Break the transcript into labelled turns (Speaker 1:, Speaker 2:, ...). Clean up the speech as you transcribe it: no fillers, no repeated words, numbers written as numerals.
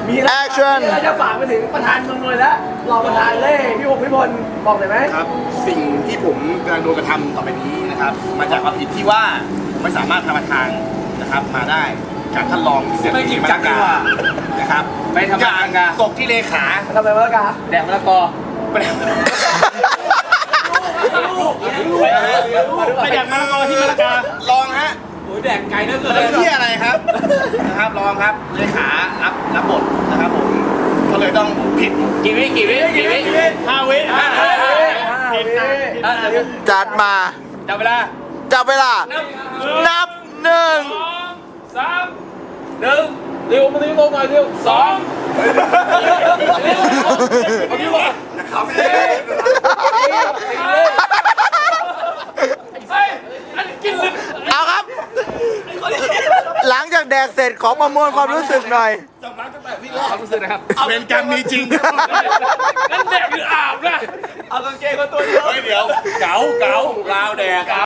Speaker 1: มี
Speaker 2: Action
Speaker 1: เราจะฝากไปถึงประธานเมืองนนท์แล้วรองประธานเล่พี่พงศ์พิพลบอกหน่อยไหม
Speaker 3: ครับสิ่งที่ผมกำลังโดนกระทำต่อไปนี้นะครับมาจากความผิดที่ว่าผมไม่สามารถทำทางนะครับมาได้จากท่านรองที่เสียทีมาตรการนะครับ
Speaker 4: ไม่ทำทางกะ
Speaker 3: ตกที่เลขา
Speaker 1: ทำอะไรมาแล้วกา
Speaker 4: แดกมะละกอ
Speaker 3: ไปแดกมะละกอที่มะละการองฮะ
Speaker 4: โอ้ยแดกไก่เนื้อเกิน
Speaker 3: แล้วที่อะไรครับนะครับรองครับเลขารับบทนะครับผมก็เลยต้องผิด
Speaker 4: กี่วิ5 วิ
Speaker 2: จัดมา
Speaker 4: จับเวลา
Speaker 2: จับเวลา นับหนึ่ง
Speaker 4: 2 3 1เร็วมาเร็วลงหน่อยเร็ว2เอาที่ลง
Speaker 3: นะครับ
Speaker 4: เฮ้ยอันนี้กินลึก
Speaker 2: เอาครับ หลังจากแดกเสร็จขอประมวลความรู้สึกหน่อย
Speaker 4: ความรู้สึกนะครับ
Speaker 3: เป็นกรรมมีจริง
Speaker 4: นั่นแดกหรืออาบนะ
Speaker 1: เอากางเกงมาตัวเดียว
Speaker 3: เฮ้ยเดี๋ยว
Speaker 4: เก๋าลาวแดก